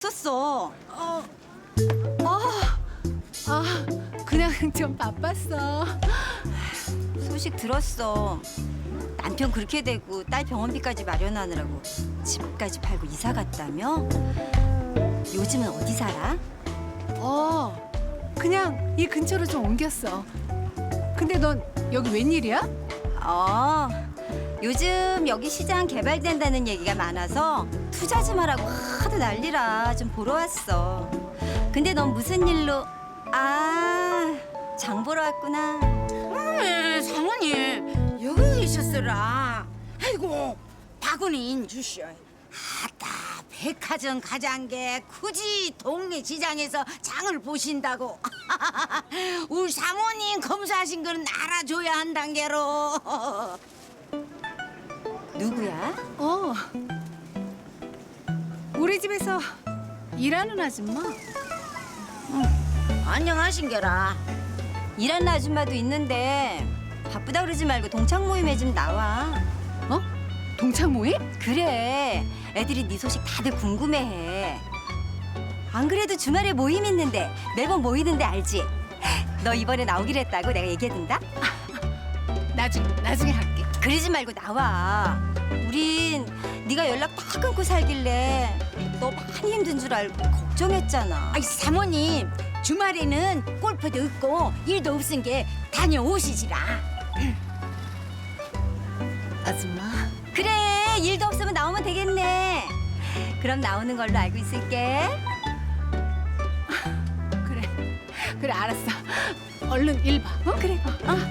있었어? 그냥 좀 바빴어. 소식 들었어. 남편 그렇게 되고 딸 병원비까지 마련하느라고 집까지 팔고 이사 갔다며? 요즘은 어디 살아? 그냥 이 근처로 좀 옮겼어. 근데 넌 여기 웬일이야? 요즘 여기 시장 개발된다는 얘기가 많아서 투자 좀 하라고 하도 난리라 좀 보러 왔어. 근데 넌 무슨 일로? 장 보러 왔구나. 사모님 여기 계셨으라. 아이고 바구니 인주시오. 아따 백화점 가장게 굳이 동네 시장에서 장을 보신다고. 우리 사모님 검사하신 거는 알아줘야 한단 게로. 누구야? 우리 집에서 일하는 아줌마. 안녕하신 게라. 일하는 아줌마도 있는데 바쁘다 그러지 말고 동창 모임에 좀 나와. 동창 모임? 그래, 애들이 네 소식 다들 궁금해해. 안 그래도 주말에 모임 있는데 매번 모이는데 알지? 너 이번에 나오기로 했다고 내가 얘기해둔다? 나중에 할게. 그러지 말고 나와. 우린 네가 연락 다 끊고 살길래 너 많이 힘든 줄 알고 걱정했잖아. 아이 사모님 주말에는 골프도 없고 일도 없은 게 다녀오시지라. 아줌마. 그래, 일도 없으면 나오면 되겠네. 그럼 나오는 걸로 알고 있을게. 그래 알았어. 얼른 일 봐. 그래.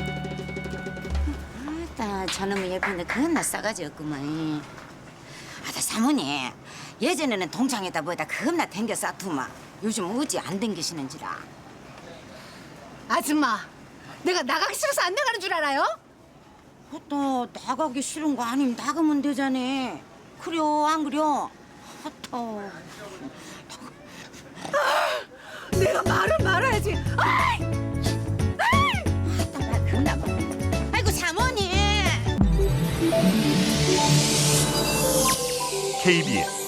아따 저놈의 예쁜데 그것나 싸가지 없구만. 아따 사모님 예전에는 동창에다 뭐다 겁나 댕겨 싸투마. 요즘 어찌 안 댕기시는지라. 아줌마. 내가 나가기 싫어서 안 나가는 줄 알아요? 아따 나가기 싫은 거 아니면 나가면 되잖아. 그려 안 그려? 아따 내가 말을 말아야지. 아따 나 겁나 봐. 아이고 사모님. KBS